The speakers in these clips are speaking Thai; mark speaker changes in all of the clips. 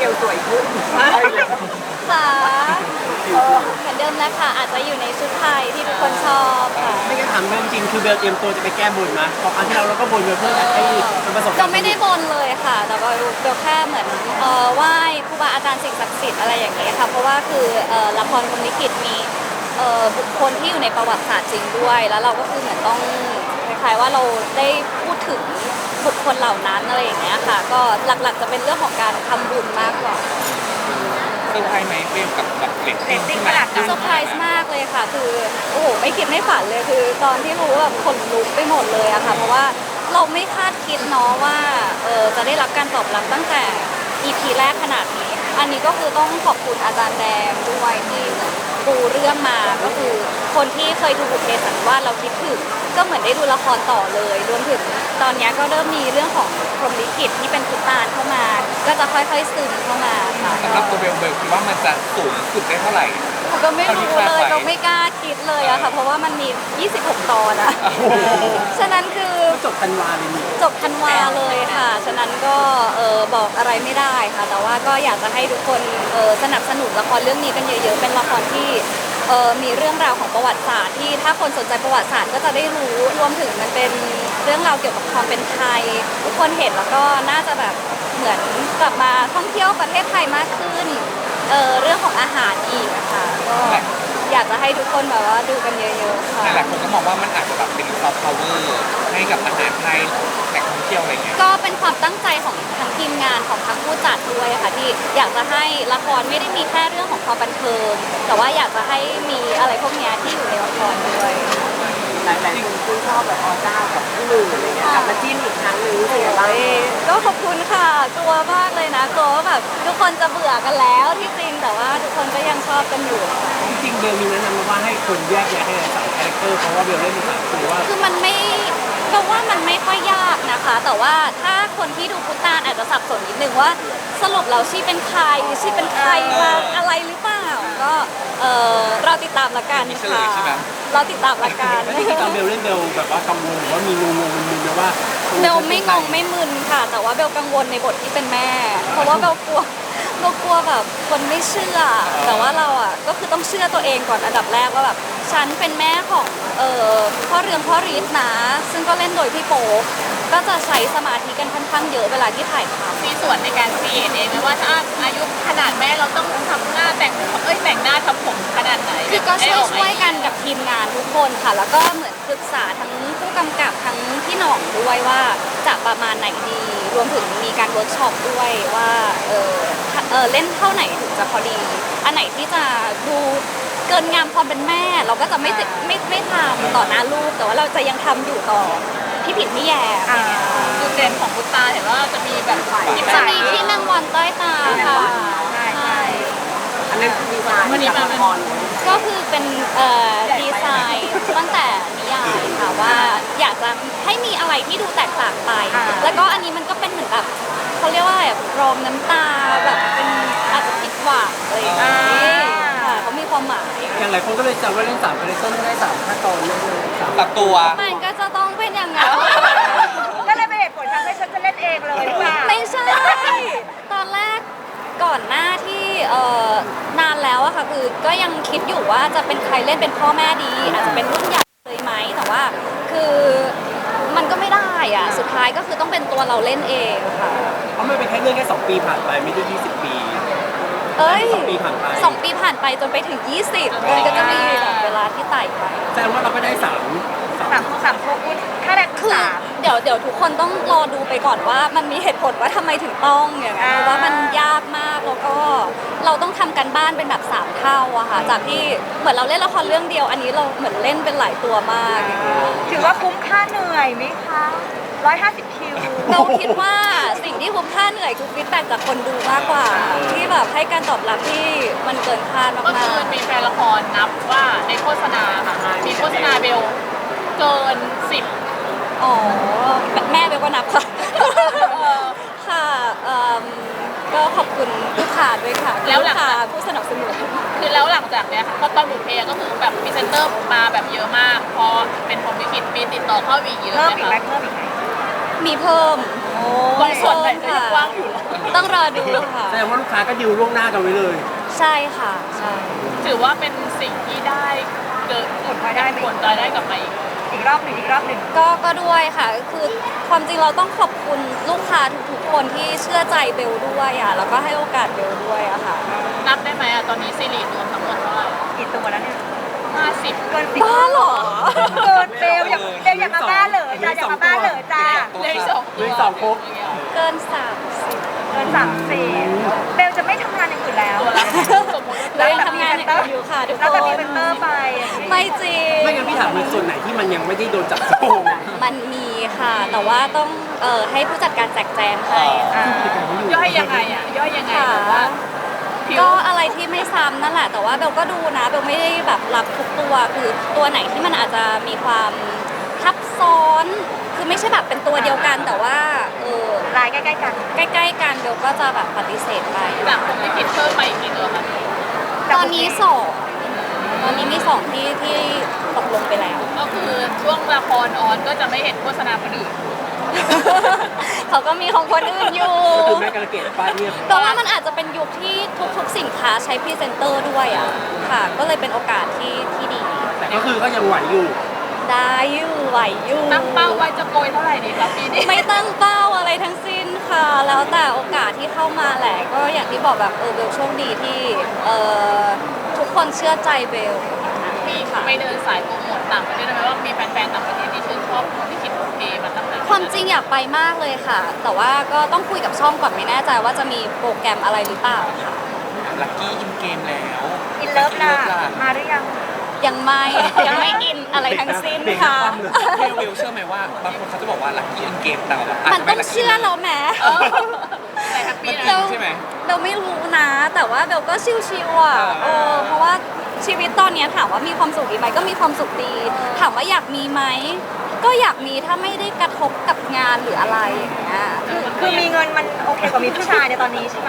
Speaker 1: กลสวยขึ้น
Speaker 2: ค่ะเหมือนเดิมแล้วค่ะอาจจะอยู่ในชุดไทยที่ทุกคนชอบค่ะ
Speaker 3: ไม่งั้นถามเรื่องจริงคือเบลเตรียมตัวจะไปแก้บนนะเพราะครั้งที่เราก็บนไปเพื่อให้มันประสบความ
Speaker 2: เราไม่ได้บนเลยค่ะแต่ว่าเบลแค่เหมือนไหว้ครูบาอาจารย์สิ่งศักดิ์สิทธิ์อะไรอย่างเงี้ยค่ะเพราะว่าคือละครพรหมลิขิตมีบุคคลที่อยู่ในประวัติศาสตร์จริงด้วยแล้วเราก็คือเหมือนต้องคล้ายๆว่าเราได้พูดถึงบุคคลเหล่านั้นอะไรอย่างเงี้ยค่ะก็หลักๆจะเป็นเรื่องของการทำบุญมากกว่า
Speaker 4: เซอร์ไพรส์ไหมเฟรมกับเรตติ้งที่
Speaker 1: ขนาดนั้น
Speaker 2: เซอร์ไพรส์มากเลยค่ะคือโอ้โหไม่คิดไม่ฝันเลยคือตอนที่รู้แบบขนลุกไปหมดเลยอะค่ะเพราะว่าเราไม่คาดคิดเนาะว่าจะได้รับการตอบรับตั้งแต่ EP แรกขนาดนี้อันนี้ก็คือต้องขอบคุณอาจารย์แดงด้วยที่ปูเรื่องมาก็คือคนที่เคยดูบุพเพสันนิวาสเราคิดถึงก็เหมือนได้ดูละครต่อเลยรวมถึงตอนนี้ก็เริ่มมีเรื่องของพรหมลิขิตที่เป็นพุทธานเข้ามาก็จะค่อยๆซึมเข้ามาค่ะ
Speaker 4: สำหรับตัวเบลคิดว่ามันจะสูงสุดได้เท่าไหร่
Speaker 2: ก็ไม่รู้เลยก็ไม่กล้าคิดเลยอะค่ะเพราะว่ามันมี26ตอนอะฉะนั้นคือ
Speaker 3: จบธันวาเลยนี่
Speaker 2: จบธันวาเลยค่ะฉะนั้นก็บอกอะไรไม่ได้ค่ะแต่ว่าก็อยากจะให้ทุกคนสนับสนุนละครเรื่องนี้กันเยอะๆเป็นละครที่มีเรื่องราวของประวัติศาสตร์ที่ถ้าคนสนใจประวัติศาสตร์ก็จะได้รู้รวมถึงมันเป็นเรื่องราวเกี่ยวกับความเป็นไทยทุกคนเห็นแล้วก็น่าจะแบบเหมือนกลับมาท่องเที่ยวประเทศไทยมากขึ้นเรื่องของอาหารอีกนะคะก็อยากจะให้ทุกคนแบบว่าดูกันเยอะๆค่ะ
Speaker 4: หลายคนก็มองว่ามันอาจจะแบบเป็นซอฟต์พาวเวอร์ให้กับอาหารไทยแหล่งท่องเที่ยวอะไรเงี้ย
Speaker 2: ก็เป็นความตั้งใจของทั้งทีมงานของทั้งผู้จัดด้วยค่ะที่อยากจะให้ละครไม่ได้มีแค่เรื่องของความบันเทิงแต่ว่าอยากจะให้มีอะไรพวกนี้ที่อยู่ในละครด้วย
Speaker 1: หลายๆคนชื่นชอบแบบออเจ้ากับพี่หนึ่งอะไรเงี้ยกลับมาจิ้นอีกครั้งหนึ่งเป็นไงบ้าง
Speaker 2: ก็ขอบคุณค่ะกลัวมากเลยนะกลัวว่าแบบทุกคนจะเบื่อกันแล้วที่จริงแต่ว่าทุกคนก็ยังชอบกันอยู่
Speaker 3: จริงๆเบลมีแนะนำมาว่าให้คนแยกแยะให้สามคาแรคเตอร์เพราะว่าเบลเล่นเป็นสามคือว่า
Speaker 2: คือมันไม่เพราะว่ามันไม่ค่อยยากนะคะแต่ว่าถ้าคนที่ดูพุทธานอาจจะสับสนนิดนึงว่าสรุปแล้วชีเป็นใครชีเป็นใครมาอะไรหรือเปล่าก็เราติดตามละกันค่ะเราติดตามละกัน
Speaker 3: ที่ตอนเบลเล่นเบลแบบว่ากังวลหรือว่ามีงงมึนๆนะว่า
Speaker 2: เบลไม่งงไม่มึนค่ะแต่ว่าเบลกังวลในบทที่เป็นแม่เพราะว่าเบลกลัวแบบคนไม่เชื่อแต่ว่าเราอ่ะก็คือต้องเชื่อตัวเองก่อนอันดับแรกว่าแบบฉันเป็นแม่ของพ่อเรืองพ่อรีดนะซึ่งก็เล่นโดยพี่โป๊ปก็จะใช้สมาธิกันค่อนข้างเยอะเวลาที่ถ่ายทำ
Speaker 1: มีส่วนในการครีเอทเองไหมว่าถ้าอายุขนาดแม่เราต้องทำหน้าแต่งหน้าทำผมขนาดไหน
Speaker 2: คือก็ช่วยกันกับทีมงานทุกคนค่ะแล้วก็เหมือนปรึกษาทั้งผู้กำกับทั้งพี่หน่องด้วยว่าจะประมาณไหนดีรวมถึงมีการเวิร์กช็อปด้วยว่าเล่นเท่าไหนถึงจะพอดีอันไหนที่จะดูเกินงามความเป็นแม่เราก็จะไม่ทำต่อหน้าลูกแต่ว่าเราจะยังทำอยู่ต่อพี่ผิดพี่แย่
Speaker 1: จุดเด่นของพุทธาเห็นว่าจะมีแบบ
Speaker 2: จะมีที่นางวันใต้ตาค่ะ
Speaker 1: ใช่อันนั้นคือดีไซน์จากละคร
Speaker 2: ก็คือเป็นดีไซน์ตั้งแต่นิยายค่ะว่าอยากจะให้มีอะไรที่ดูแตกต่างไปแล้วก็อันนี้มันก็เป็นเหมือนแบบเขาเรียกว่าแบบรองน้ำตาแบบเป็นอาจจะผิดหวังอะไรอย่างเงี้ยค่ะเขามีความหมาย
Speaker 3: อย่างหลายคนก็เลยจำว่าเล่นสามคาแรคเตอร์ได้3 ขั้นตอนเลย
Speaker 4: ตัดตัว
Speaker 2: มันก็จะต้องเป็นอย่างนั้น
Speaker 1: ก็เลยเป็นเหตุผลทำให้ฉันจะเล่นเองเลยหรือเปล่า
Speaker 2: ไม่ใช่ตอนแรกก่อนหน้าที่นานแล้วอะค่ะคือก็ยังคิดอยู่ว่าจะเป็นใครเล่นเป็นพ่อแม่ดีอาจจะเป็นรุ่นใหญ่เลยไหมแต่ว่าคือมันก็ไม่ได้อะสุดท้ายก็คือต้องเป็นตัวเราเล่นเองค่ะ
Speaker 3: เพราะมันเป็นแค่เรื่องแค่2 ปีผ่านไปไม่ได้20 ปี2 ปีผ่านไป
Speaker 2: 2 ปีผ่านไปจนไปถึง20มันก็จะมีเวลาที่ไต่ไป
Speaker 3: แสดงว่าเราก็ได้3
Speaker 1: พวกถ้าได้
Speaker 2: คือเดี๋ยวทุกคนต้องรอดูไปก่อนว่ามันมีเหตุผลว่าทำไมถึงต้องอย่างนั้นเพราะว่ามันยากมากแล้วก็เราต้องทำกันบ้านเป็นแบบ3 เท่าอะค่ะจากที่เหมือนเราเล่นละครเรื่องเดียวอันนี้เราเหมือนเล่นเป็นหลายตัวมาก
Speaker 1: ถือว่าคุ้มค่าเหนื่อยไหมคะ150 คิว
Speaker 2: เราคิดว่าสิ่งที่คุ้มค่าเหนื่อยคือฟีดแบ็กจากคนดูมากกว่าที่แบบให้การตอบรับที่มันเกินคาดมากๆก็
Speaker 1: คือมีแฟนละครนับว่าในโฆษณาค่ะมีโฆษณาเบลเกิน10
Speaker 2: อ๋อแม่เบลก็นับค่ะค่ะก็ขอบคุณลูกค้าด้วยค่ะแล้วลูกค้าผู้สนับสนุน
Speaker 1: คือแล้วหลังจากเนี้ยค่ะก็ตอนบุพเพก็คือแบบพรีเซนเตอร์มาแบบเยอะมากพอเป็นพรหมลิขิตมีติดต่อเข้าอีกเยอะ
Speaker 2: เพิ่มอีกไหมมีเพิ่ม
Speaker 1: บางส่วนไหนก็ยังว่างอยู่เหรอ
Speaker 2: ต้องรอดูค่ะ
Speaker 3: แสดงว่าลูกค้าก็ดิวล่วงหน้ากันไว้เลย
Speaker 2: ใช่ค่ะใช่
Speaker 1: ถือว่าเป็นสิ่งที่ได้เกิดผลรายได้กลับมาอีกรอบหนึ่ง
Speaker 2: ก็ด้วยค่ะคือความจริงเราต้องขอบคุณลูกค้าทุกๆคนที่เชื่อใจเบลด้วยอ่ะแล้วก็ให้โอกาสเบลด้วยอะค่ะ
Speaker 1: นับได้ไหมอะตอนนี้ซีรีส์รวมทั้งหมดเท่าไหร่
Speaker 5: กี่ตัวแล้วเนี่ย
Speaker 1: 50
Speaker 5: เกิน10
Speaker 2: บ้าเหรอ
Speaker 5: เกินเบลอย่ามาบ้าเหรอจ้าอย่ามาบ้าเหรอจ้า
Speaker 1: เลขสอง
Speaker 3: เลขสองครบ
Speaker 2: เกิน30
Speaker 5: เกิน34เบลจะไม่ทำงานอย่างอื่นแล้ว
Speaker 1: ตัวละสมมติ
Speaker 2: เรายังทำงานอย่างอื่นอยู่ค่ะทุก
Speaker 5: แล้ว
Speaker 2: ค
Speaker 5: จะมี
Speaker 2: น
Speaker 5: เป็นเตอร์ไปอย่างนี้
Speaker 2: ไม่จริง
Speaker 3: ไม่งั้นพี่ถามในส่วนไหนที่มันยังไม่ได้โดนจับโกง
Speaker 2: มันมีค่ะ แต่ว่าต้องให้ผู้จัดการแจกแจงให้
Speaker 1: ย่อยยังไงอะย่อยยังไง
Speaker 2: ค่ะ
Speaker 1: แบบว่าผิว
Speaker 2: ก็อะไรที่ไม่ซ้ำนั่นแหละ แต่ว่าเบลก็ดูนะเบลไม่ได้แบบรับทุกตัวคือตัวไหนที่มันอาจจะมีความทับซ้อน คือไม่ใช่แบบเป็นตัวเดียวกัน แต่ว่า
Speaker 5: ลายใกล้ๆกัน
Speaker 2: ใกล้ๆกันเบลก็จะแบบปฏิเสธไป
Speaker 1: จากผมที่ผิดเพิ่มไปอีกกี่ตัวคะ
Speaker 2: ตอนนี้สองตอนนี้มีสองที่ตกลงไปแล้ว
Speaker 1: ก็คือช่วงละครออนก็จะไม่เห็นโฆษณาคนอื่น
Speaker 2: เขาก็มีของคนอื่นอยู่
Speaker 3: ก็คือแม่กระเกตป้าเงียบ
Speaker 2: แต่ว่ามันอาจจะเป็นยุคที่ทุกๆสินค้าใช้พรีเซนเตอร์ด้วยอ่ะค่ะ ก็เลยเป็นโอกาสที่ดี
Speaker 3: แต่ก็คือก็ยังไหวอยู่
Speaker 2: ได้อยู่ไหวอยู่
Speaker 1: ตั้งเป้าไว้จะโกยเท่าไหร่ดีครับปีนี้
Speaker 2: ไม่ตั้งเป้าอะไรทั้งสิ้นค่ะ แล้วแต่โอกาสที่เข้ามาแหละ ก็อย่างที่บอกแบบเบลโชคดีที่ทุกคนเชื่อใจเบล
Speaker 1: มีไปเดินสายโปรโมทต่างประเทศได้ไหมว่ามีแฟนๆต่างประเทศที่ชื่นชอบที่คิดโอเคมาตั้งแต่
Speaker 2: ความจริงอยากไปมากเลยค่ะ แต่ว่าก็ต้องคุยกับช่องก่อนไม่แน่ใจว่าจะมีโปรแกรมอะไรหรือเปล่าค่ะ
Speaker 4: ลักกี้อินเกมแล้ว
Speaker 5: อินเลิฟล่ะมาหรือยัง
Speaker 2: ยังไม่ยังไม่อินอะไรทั้งสิ้นค่ะ
Speaker 4: เบลเชื่อไหมว่าบางคนเขาจะบอกว่าลักกี้อินเกมแต่แบบ
Speaker 2: มันต้องเชื่อเราแหม
Speaker 1: แต่แฮปปี้
Speaker 4: จริ
Speaker 1: นะ
Speaker 4: งใช่ไหม
Speaker 2: เบลไม่รู้นะ แต่ว่าเบลก็ชิวๆอ่ะเพราะว่าชีวิตตอนเนี้ยถามว่ามีความสุขดีไหมก็มีความสุขดี ถามว่าอยากมีไหมก็อยากมีถ้าไม่ได้กระทบกับงานหรืออะไรอย่างเงี้ย
Speaker 5: คือมีเงินมันโอเคกว่ามีผู้ชายในตอนนี้ใช่ไหม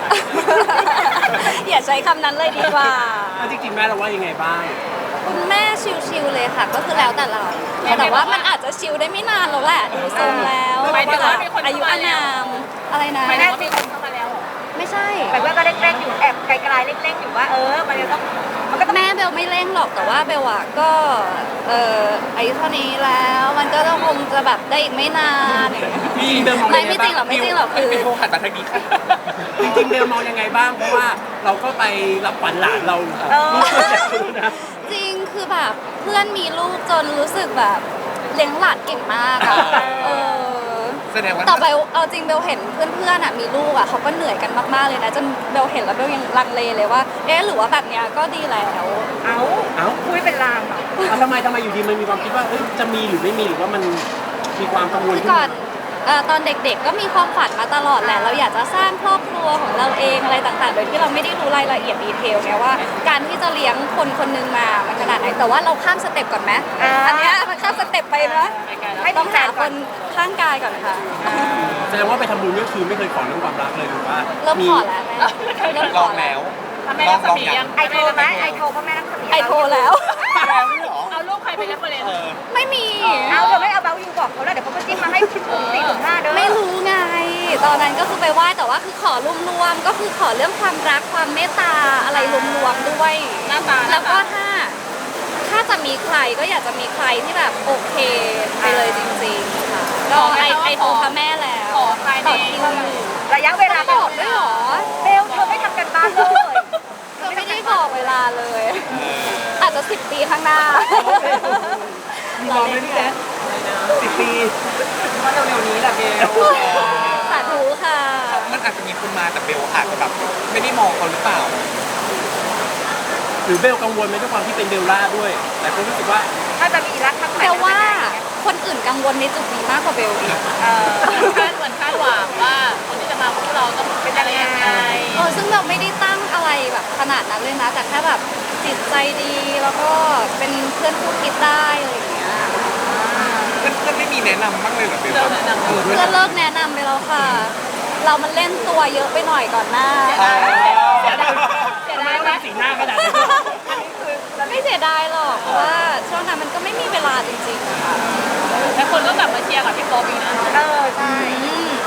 Speaker 2: อย่าใช้คำนั้นเลยดีกว่า
Speaker 3: แล้วจริงๆแม่เราว่ายังไงบ้าง
Speaker 2: คุณแม่ชิวๆเลยค่ะ ก็คือแล้วแต่เรา แต่ว่ามันอาจจะชิวได้ไม่นานแล้วแหละดูทรงแล้ว
Speaker 1: หมายถึงว่ามีคน
Speaker 2: อายุอานามอะไรนะ
Speaker 1: หมายถึงว่ามีคนเข้ามาแล้ว
Speaker 2: ไม่ใช่
Speaker 5: แต่ว่าก็เร่งๆอยู่แอบไกลๆเร่งๆอยู่ว่ามันจะต้องมันก็ต้อง
Speaker 2: แม่เบลไม่เร่งหรอกแต่ว่าเบลอะก็อายุเท่านี้แล้วมันก็ต้องคงจะแบบได้อีกไม่นาน
Speaker 3: จริงๆเบลมอง
Speaker 2: ไม่
Speaker 3: ยังไง
Speaker 2: ไม่จริงหร
Speaker 3: บ้า
Speaker 2: อง กไม่จริงหรอกคือ
Speaker 4: เบลหันมาทางนี้ค่ะ
Speaker 3: จริงๆเบลมองยังไงบ้าง เพราะว่าเราก็ไปรับขวัญหลานเราลูกคนแรกเลยนะ
Speaker 2: จริงคือแบบเพื่อนมีลูกจนรู้สึกแบบเลี้ยงหลานเก่งมากอะอ
Speaker 4: แสดงว่า
Speaker 2: ต่อไปเอาจริงเบลเห็นเพื่อนๆอะมีลูกอะเขาก็เหนื่อยกันมากๆเลยนะจนเบลเห็นแล้วเบลยังลังเลเลยว่าหรือว่าแบบเนี้ยก็ดีแล้ว
Speaker 5: เอ้าคุยเป็นลางเหรอ
Speaker 3: ทำไมอยู่ดีมันมีความคิดว่าจะมีหรือไม่มีหรือว่ามันมีความกังวล
Speaker 2: คือ
Speaker 3: ขึ้น
Speaker 2: ก่อนตอนเด็กๆก็มีความฝันมาตลอดแหละเราอยากจะสร้างครอบครัวของเราเองอะไรต่างๆ โดยที่เราไม่ได้รู้รายละเอียดดีเทลไงว่า การที่จะเลี้ยงคนคนหนึงมามันขนาดไหนแต่ว่าเราข้ามสเต็ปก่อนไหมอันเนี้ยมันข้ามสเต็ปไปนะ
Speaker 5: ให้
Speaker 2: ต้
Speaker 5: ต้
Speaker 2: อ
Speaker 5: อง ง
Speaker 2: หา
Speaker 5: หา
Speaker 2: ค
Speaker 5: คน น
Speaker 2: ข้างกายก่อนค่ะ
Speaker 3: แสดงว่าไปทำบุญก็คือไม่เคยขอเรื่องความรักเลยหรือว่า
Speaker 2: เริ่มขอแล้วแม่เริ่ม
Speaker 4: ล
Speaker 2: ข
Speaker 4: อ
Speaker 2: อง แล้
Speaker 4: แล้ว ว
Speaker 1: ทำไมรัศมียัง
Speaker 5: ไอโทรไหมไอโทรพ่อแม่รักษมี
Speaker 2: ไอโทรแล้ว
Speaker 4: แล้วด้วยเหรอ
Speaker 1: เอารูปใครไปเล่นประเด็น
Speaker 2: ไม่มี
Speaker 5: เอาเดี๋ยวไม่เอาเบลยูบอกเขาแล้วเดี๋ยวเขาก็จิ้มมาให้4-5เด้อ
Speaker 2: ไม่รู้ไง ตอนนั้นก็คือไปไหว้แต่ว่าคือขอรวมๆก็คือขอเรื่องความรักความเมตตาอะไรรวมๆด้วย
Speaker 1: หน้าตา
Speaker 2: แล้วก็ถ้าจะมีใครก็อยากจะมีใครที่แบบโอเคไปเลยจริงๆค่ะก็ไอโทรพระแม่แล้ว
Speaker 1: ขอภายใน
Speaker 2: ต่อคิวอยู่
Speaker 5: ระยะเวลา
Speaker 2: บอกด้วยเหรอ
Speaker 5: เบลเธอไม่ทำกันบ้านเลย
Speaker 2: ก็ไม่ได้บอกเวลาเลย อาจจะ10 ปีข้างหน้า
Speaker 3: มีรอไหมพี่แจ๊ค10 ปี
Speaker 5: ว่าเร็วๆนี้แหละเบล
Speaker 2: สาธุค่ะ
Speaker 4: มันอาจจะมีคนมาแต่เบลอาจจะแบบไม่ได้มองเขาหรือเปล่า
Speaker 3: หรือเบลกังวลไหมด้วยความที่เป็นเบลล่าด้วย แต่ก็รู้สึกว่า
Speaker 5: ถ้าจะมีรักครั้งใหม่
Speaker 2: เบลว่าคนอื่นกังวลในจุดนี้มากกว่าเบลอีก
Speaker 1: เหมือนคาดหวังว่าคนที่จะมาคู่เราต้องเป็นอะไรยังไง
Speaker 2: ซึ่งเราไม่ได้ตั้งอะไรแบบขนาดนั้นเลยนะ แต่แค่แบบจิตใจดีแล้วก็เป็นเพื่อนคู่คิดได้อะไรอย่างเงี้ย
Speaker 4: ก็ไม่มีแนะนำบ้างเลยเหรอเบล
Speaker 1: เราแนะนำ
Speaker 2: เพื่อนเลิกแนะนำไปแล้วค่ะ เรามันเล่นตัวเยอะไปหน่อยก่อนหน้า
Speaker 1: เสียดายไหม
Speaker 3: สีหน้าขนาดนี้
Speaker 2: ไม่เสียดายหรอกเพราะว่าช่วงนั้นมันก็ไม่มีเวลาจริงๆค่ะ
Speaker 1: แล้วคนก็กลับมาเชียร์กับพี่โป๊ปอีกนะ
Speaker 5: ใช่
Speaker 2: อืม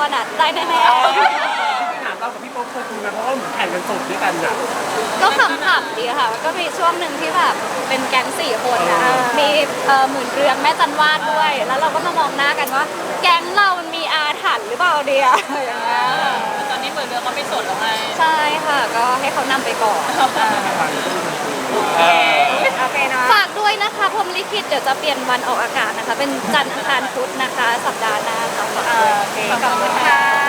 Speaker 2: รอ่ะได้แน่
Speaker 3: ถามเรากับพี่โป๊ปเคยคุยกันเพราะว่าเหมือนแข่งกันสดด้วยกันนะ
Speaker 2: ๆก็ขำๆดีค่ะมันก็มีช่วงหนึ่งที่แบบเป็นแก๊ง4 คนนะมีหมื่นเรืองแม่จันวาดด้วย แล้วเราก็มามองหน้ากันว่า แก๊งเรามันมีอาถรรพ์หรือเปล่าเดียอย่างเงี้ย
Speaker 1: ตอนนี้เหมือนเรือก็ไม่สดแล้วไง
Speaker 2: ใช่ค่ะก็ให้เขานำไปก่อน
Speaker 5: โอเคเนาะ
Speaker 2: ฝากด้วยนะคะพรหมลิขิตเดี๋ยวจะเปลี่ยนวันออกอากาศนะคะ เป็นจันทร์อังคารพุธนะคะ สัปดาห์หน้าค่ะฝากด้วย
Speaker 5: โอเคขอบคุณค่ะ